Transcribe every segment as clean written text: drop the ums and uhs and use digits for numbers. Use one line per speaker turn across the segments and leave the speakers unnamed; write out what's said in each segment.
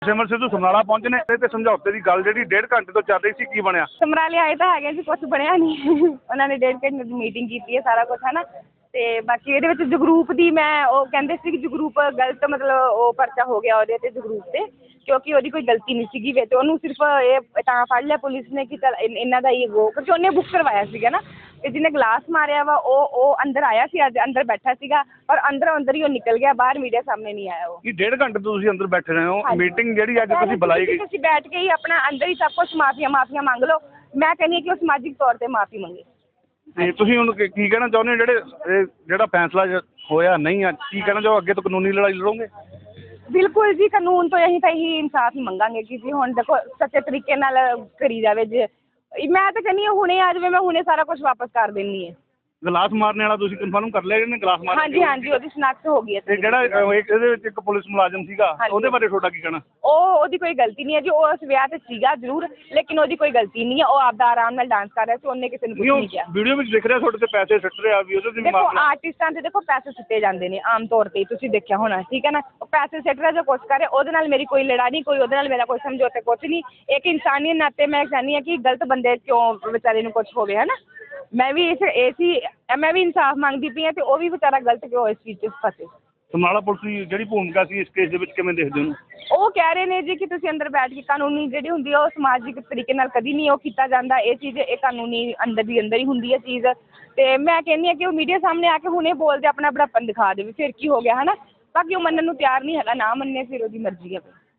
ਸਿਮਰ ਸਿੱਧੂ ਸਮਰਾਲਾ ਪਹੁੰਚੇ ਨੇ ਤੇ ਸਮਝੌਤੇ ਦੀ ਗੱਲ ਜਿਹੜੀ 1.5 ਘੰਟੇ ਤੋਂ ਚੱਲ ਰਹੀ ਸੀ, ਕੀ ਬਣਿਆ?
ਸਮਰਾਲੇ ਆਏ ਤਾਂ ਹੈਗੇ ਸੀ, ਕੁਛ ਬਣਿਆ ਨਹੀਂ। ਉਹਨਾਂ ਨੇ 1.5 ਘੰਟੇ ਦੀ ਮੀਟਿੰਗ ਕੀਤੀ ਹੈ, ਸਾਰਾ ਕੁਛ ਹੈ ਨਾ। ਤੇ ਬਾਕੀ ਇਹਦੇ ਵਿੱਚ ਜਗਰੂਪ ਦੀ ਉਹ ਕਹਿੰਦੇ ਸੀ ਕਿ ਜਗਰੂਪ ਗਲਤ, ਮਤਲਬ ਉਹ ਪਰਚਾ ਹੋ ਗਿਆ ਉਹਦੇ ਤੇ ਜਗਰੂਪ ਤੇ, ਕਿਉਂਕਿ ਉਹਦੀ ਕੋਈ ਗਲਤੀ ਨਹੀਂ ਸੀਗੀ ਵਿੱਚ। ਉਹਨੂੰ ਸਿਰਫ ਇਹ ਤਾਂ ਫੜ ਲਿਆ ਪੁਲਿਸ ਨੇ ਕਿ ਚੱਲ ਇਹਨਾਂ ਦਾ ਹੀ ਕਿਉਂਕਿ ਉਹਨੇ ਬੁੱਕ ਕਰਵਾਇਆ ਸੀਗਾ ਨਾ। ਤੇ ਜਿਹਨੇ ਗਲਾਸ ਮਾਰਿਆ ਵਾ ਉਹ ਅੰਦਰ ਆਇਆ ਸੀ, ਅੱਜ ਅੰਦਰ ਬੈਠਾ ਸੀਗਾ, ਔਰ ਅੰਦਰ ਹੀ ਉਹ ਨਿਕਲ ਗਿਆ ਬਾਹਰ, ਮੀਡੀਆ ਸਾਹਮਣੇ ਨਹੀਂ ਆਇਆ। ਉਹ
1.5 ਘੰਟੇ ਤੋਂ ਤੁਸੀਂ ਅੰਦਰ ਬੈਠੇ ਰਹੇ ਹੋ। ਮੀਟਿੰਗ ਜਿਹੜੀ ਅੱਜ ਤੁਸੀਂ ਬੁਲਾਈ ਗਈ,
ਤੁਸੀਂ ਬੈਠ ਕੇ ਹੀ ਆਪਣਾ ਅੰਦਰ ਹੀ ਸਭ ਕੁਛ ਮਾਫੀਆਂ ਮੰਗ ਲਓ। ਮੈਂ ਕਹਿੰਦੀ ਹਾਂ ਕਿ ਉਹ ਸਮਾਜਿਕ ਤੌਰ ਤੇ ਮਾਫੀ ਮੰਗੇ।
ਤੇ ਤੁਸੀਂ ਹੁਣ ਕੀ ਕਹਿਣਾ ਚਾਹੁੰਦੇ ਹੋ? ਜਿਹੜਾ ਫੈਸਲਾ ਹੋਇਆ ਨਹੀਂ ਆ, ਕੀ ਕਹਿਣਾ ਚਾਹੋ? ਅੱਗੇ ਤੋਂ ਕਾਨੂੰਨੀ ਲੜਾਈ ਲੜੋਗੇ?
ਬਿਲਕੁਲ ਜੀ, ਕਾਨੂੰਨ ਤੋਂ ਅਸੀਂ ਤਾਂ ਇਹੀ ਇਨਸਾਫ ਹੀ ਮੰਗਾਂਗੇ ਕਿ ਜੀ ਹੁਣ ਦੇਖੋ ਸੱਚੇ ਤਰੀਕੇ ਨਾਲ ਕਰੀ ਜਾਵੇ। ਜੇ ਮੈਂ ਤਾਂ ਕਹਿੰਦੀ ਹਾਂ ਹੁਣੇ ਆ ਜਾਵੇ, ਮੈਂ ਹੁਣੇ ਸਾਰਾ ਕੁਝ ਵਾਪਸ ਕਰ ਦਿੰਦੀ ਹਾਂ।
ਗਲਾਸ ਮਾਰਨੇ ਵਾਲਾ ਤੁਸੀਂ ਕਨਫਰਮ ਕਰ ਲਿਆ ਜਿਹਨੇ ਗਲਾਸ ਮਾਰਿਆ?
ਹਾਂਜੀ, ਉਹਦੀ ਸ਼ਨਾਖਤ ਹੋ ਗਈ ਹੈ।
ਤੇ ਜਿਹੜਾ ਇਹਦੇ ਵਿੱਚ ਇੱਕ ਪੁਲਿਸ ਮੁਲਾਜ਼ਮ ਸੀਗਾ, ਉਹਦੇ ਬਾਰੇ ਤੁਹਾਡਾ ਕੀ ਕਹਿਣਾ?
ਉਹਦੀ ਕੋਈ ਗਲਤੀ ਨਹੀਂ ਹੈ ਜੀ, ਉਹ ਉਸ ਵਿਆਹ ਤੇ ਸੀਗਾ ਜ਼ਰੂਰ, ਲੇਕਿਨ ਉਹਦੀ ਕੋਈ ਗਲਤੀ ਨਹੀਂ ਹੈ। ਉਹ ਆਪਦਾ ਆਰਾਮ ਨਾਲ ਡਾਂਸ ਕਰ ਰਿਹਾ ਸੀ, ਉਹਨੇ ਕਿਸੇ ਨੂੰ ਕੁਝ ਨਹੀਂ ਕਿਹਾ।
ਵੀਡੀਓ ਵਿੱਚ ਦਿਖ ਰਿਹਾ ਤੁਹਾਡੇ ਤੇ ਪੈਸੇ ਸਿੱਟ ਰਿਹਾ ਵੀ, ਉਹਦੇ ਤੇ
ਦੇਖੋ ਆਰਟਿਸਟਾਂ ਤੇ ਦੇਖੋ ਪੈਸੇ ਸਿੱਟੇ ਜਾਂਦੇ ਨੇ ਆਮ ਤੌਰ ਤੇ, ਤੁਸੀਂ ਦੇਖਿਆ ਹੋਣਾ, ਠੀਕ ਹੈ ਨਾ। ਉਹ ਪੈਸੇ ਸਿੱਟ ਰਿਹਾ ਜੋ ਕੁਛ ਕਰ ਰਿਹਾ, ਉਹਦੇ ਨਾਲ ਮੇਰੀ ਕੋਈ ਲੜਾਈ ਨਹੀਂ, ਕੋਈ ਉਹਦੇ ਨਾਲ ਮੇਰਾ ਕੋਈ ਸਮਝੌਤੇ ਕੁਛ ਨਹੀਂ। ਇੱਕ ਇਨਸਾਨੀਅਤ ਨਾਤੇ ਮੈਂ ਚਾਹੁੰਦੀ ਹਾਂ ਕਿ ਗਲਤ ਬੰਦੇ ਕਿਉਂ ਵਿਚਾਰੇ ਨੂੰ ਕੁਛ ਹੋਵੇ, ਹੈ ਨਾ। ਮੈਂ ਵੀ ਮੈਂ ਵੀ ਇਨਸਾਫ ਮੰਗਦੀ ਪਈ ਹਾਂ, ਤੇ ਉਹ ਵੀ ਵਿਚਾਰਾ ਗਲਤ ਕਿਉਂ ਇਸ ਚੀਜ਼ 'ਚ ਫਸੇ।
ਸਮਰਾਲਾ ਪੁਲਿਸ ਦੀ ਜਿਹੜੀ ਭੂਮਿਕਾ ਸੀ ਇਸ ਕੇਸ ਦੇ ਵਿੱਚ, ਕਿਵੇਂ ਦੇਖਦੇ ਹੋ?
ਉਹ ਕਹਿ ਰਹੇ ਨੇ ਜੀ ਕਿ ਤੁਸੀਂ ਅੰਦਰ ਬੈਠ ਕੇ, ਕਾਨੂੰਨੀ ਜਿਹੜੀ ਹੁੰਦੀ ਹੈ ਉਹ ਸਮਾਜਿਕ ਤਰੀਕੇ ਨਾਲ ਕਦੀ ਨਹੀਂ ਉਹ ਕੀਤਾ ਜਾਂਦਾ। ਇਹ ਚੀਜ਼ ਇਹ ਕਾਨੂੰਨੀ ਅੰਦਰ ਹੀ ਹੁੰਦੀ ਹੈ ਚੀਜ਼। ਤੇ ਮੈਂ ਕਹਿੰਦੀ ਹਾਂ ਕਿ ਉਹ ਮੀਡੀਆ ਸਾਹਮਣੇ ਆ ਕੇ ਹੁਣੇ ਬੋਲਦੇ, ਆਪਣਾ ਬੜਾਪਨ ਦਿਖਾ ਦੇਵੇ, ਫਿਰ ਕੀ ਹੋ ਗਿਆ, ਹੈ ਨਾ। ਬਾਕੀ ਉਹ ਮੰਨਣ ਨੂੰ ਤਿਆਰ ਨਹੀਂ ਹੈਗਾ, ਨਾ ਮੰਨੇ ਫਿਰ ਉਹਦੀ ਮਰਜ਼ੀ ਹੈ।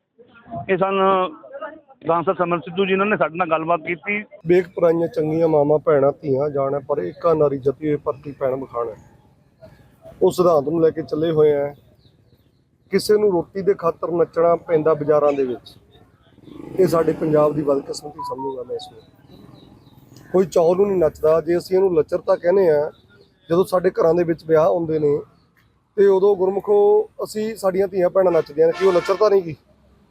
ਇਹ ਸਨ ਡਾਂਸਰ ਸਿਮਰ ਸਿੱਧੂ ਜੀ, ਇਹਨਾਂ ਨੇ ਸਾਡੇ ਨਾਲ ਗੱਲਬਾਤ ਕੀਤੀ।
ਵੇਖ ਪਰਾਈਆਂ ਚੰਗੀਆਂ ਮਾਵਾਂ ਭੈਣਾਂ ਧੀਆਂ ਜਾਣਾ, ਪਰ ਏਕਾ ਨਾਰੀ ਜਤੀ ਹੋਏ ਪਰਤੀ ਭੈਣ ਬਖਾਣਾ। ਉਸ ਸਿਧਾਂਤ ਨੂੰ ਲੈ ਕੇ ਚੱਲੇ ਹੋਏ ਆ। ਕਿਸੇ ਨੂੰ ਰੋਟੀ ਦੇ ਖਾਤਰ ਨੱਚਣਾ ਪੈਂਦਾ ਬਾਜ਼ਾਰਾਂ ਦੇ ਵਿੱਚ, ਇਹ ਸਾਡੇ ਪੰਜਾਬ ਦੀ ਬਦਕਿਸਮਤੀ ਸਮਝੂਗਾ ਮੈਂ ਇਸ ਨੂੰ। ਕੋਈ ਚੌਲ ਨੂੰ ਨਹੀਂ ਨੱਚਦਾ। ਜੇ ਅਸੀਂ ਇਹਨੂੰ ਲੱਚਰਤਾ ਕਹਿੰਦੇ ਆ, ਜਦੋਂ ਸਾਡੇ ਘਰਾਂ ਦੇ ਵਿੱਚ ਵਿਆਹ ਹੁੰਦੇ ਨੇ ਤੇ ਉਦੋਂ ਗੁਰਮੁਖੋ ਅਸੀਂ ਸਾਡੀਆਂ ਧੀਆਂ ਭੈਣਾਂ ਨੱਚਦੀਆਂ ਨੇ, ਕਿ ਉਹ ਲੱਚਰਤਾ ਨਹੀਂ ਗੀ?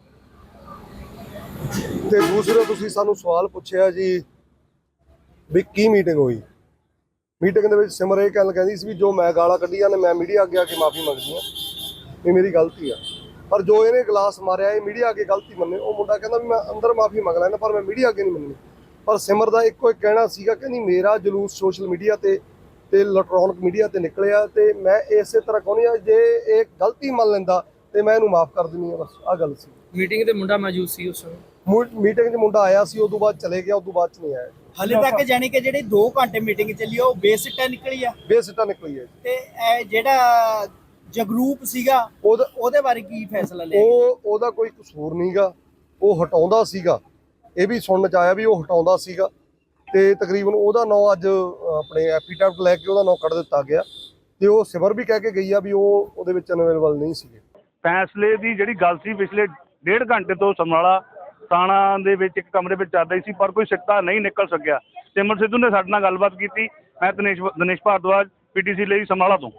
ਤੇ ਦੂਸਰਾ ਤੁਸੀਂ ਸਾਨੂੰ ਸਵਾਲ ਪੁੱਛਿਆ ਜੀ ਵੀ ਕੀ ਮੀਟਿੰਗ ਹੋਈ। ਮੀਟਿੰਗ ਦੇ ਵਿੱਚ ਸਿਮਰ ਇਹ ਗੱਲ ਕਹਿੰਦੀ ਸੀ ਵੀ ਜੋ ਮੈਂ ਗਾਲਾਂ ਕੱਢੀਆਂ ਨੇ ਮੈਂ ਮੀਡੀਆ ਅੱਗੇ ਆ ਕੇ ਮਾਫੀ ਮੰਗਦੀ ਹਾਂ, ਇਹ ਮੇਰੀ ਗਲਤੀ ਆ। ਪਰ ਜੋ ਇਹਨੇ ਗਲਾਸ ਮਾਰਿਆ ਇਹ ਮੀਡੀਆ ਅੱਗੇ ਗਲਤੀ ਮੰਨੇ। ਉਹ ਮੁੰਡਾ ਕਹਿੰਦਾ ਵੀ ਮੈਂ ਅੰਦਰ ਮਾਫੀ ਮੰਗ ਲੈਣਾ, ਪਰ ਮੈਂ ਮੀਡੀਆ ਅੱਗੇ ਨਹੀਂ ਮੰਨਣੀ। ਪਰ ਸਿਮਰ ਦਾ ਇੱਕੋ ਇੱਕ ਕਹਿਣਾ ਸੀਗਾ, ਕਹਿੰਦੀ ਮੇਰਾ ਜਲੂਸ ਸੋਸ਼ਲ ਮੀਡੀਆ ਤੇ ਇਲੈਕਟ੍ਰੋਨਿਕ ਮੀਡੀਆ ਤੇ ਨਿਕਲਿਆ, ਤੇ ਮੈਂ ਇਸੇ ਤਰ੍ਹਾਂ ਕਹਿੰਦੀ ਆ ਜੇ ਇਹ ਗਲਤੀ ਮੰਨ ਲੈਂਦਾ ਤੇ ਮੈਂ ਇਹਨੂੰ ਮਾਫ ਕਰ ਦਿੰਦੀ ਆ। ਬਸ ਆਹ ਗੱਲ ਸੀ।
ਮੀਟਿੰਗ ਤੇ ਮੁੰਡਾ ਮੌਜੂਦ ਸੀ ਉਸ ਸਮੇਂ?
ਮੀਟਿੰਗ 'ਚ ਮੁੰਡਾ ਆਇਆ ਸੀ, ਉਦੋਂ ਬਾਅਦ ਚਲੇ ਗਿਆ, ਉਦੋਂ ਬਾਅਦ 'ਚ ਨਹੀਂ ਆਇਆ।
ਹਲੇ ਤੱਕ ਜਾਣੀ ਕਿ ਜਿਹੜੀ 2 ਘੰਟੇ ਮੀਟਿੰਗ ਚੱਲੀ ਉਹ ਬੇਸਿੱਟਾ ਨਿਕਲੀ ਆ।
ਬੇਸਿੱਟਾ ਨਿਕਲੀ ਹੈ।
ਤੇ ਇਹ ਜਿਹੜਾ ਜਗਰੂਪ ਸੀਗਾ ਉਹਦੇ ਬਾਰੇ ਕੀ ਫੈਸਲਾ ਲਿਆ?
ਉਹਦਾ ਕੋਈ ਕਸੂਰ ਨਹੀਂਗਾ, ਉਹ ਹਟਾਉਂਦਾ ਸੀਗਾ। ਇਹ ਵੀ ਸੁਣਨ 'ਚ ਆਇਆ ਵੀ ਉਹ ਹਟਾਉਂਦਾ ਸੀਗਾ, ਤੇ ਤਕਰੀਬਨ ਉਹਦਾ ਨਾਂ ਅੱਜ ਆਪਣੇ ਐਫੀਡੈਵਿਟ ਲੈ ਕੇ ਉਹਦਾ ਨਾਂ ਕੱਢ ਦਿੱਤਾ ਗਿਆ। ਤੇ ਉਹ ਸਿਮਰ ਵੀ ਕਹਿ ਕੇ ਗਈ ਆ ਵੀ ਉਹਦੇ ਵਿੱਚ ਅਨਅਵੇਲੇਬਲ ਨਹੀਂ ਸੀਗੇ।
ਫੈਸਲੇ ਦੀ ਜਿਹੜੀ ਗੱਲ ਸੀ ਪਿਛਲੇ 1.5 ਘੰਟੇ ਤੋਂ ਸਮਰਾਲਾ ਥਾਣਾ ਦੇ ਵਿੱਚ ਇੱਕ ਕਮਰੇ ਵਿੱਚ ਚੱਲ ਰਹੀ ਸੀ, ਪਰ ਕੋਈ ਸਿੱਟਾ ਨਹੀਂ ਨਿਕਲ ਸਕਿਆ। ਸਿਮਰ ਸਿੱਧੂ ਨੇ ਸਾਡੇ ਨਾਲ ਗੱਲਬਾਤ ਕੀਤੀ। ਮੈਂ ਦਿਨੇਸ਼ ਭਾਰਦਵਾਜ, PTC ਲਈ ਸਮਰਾਲਾ ਤੋਂ।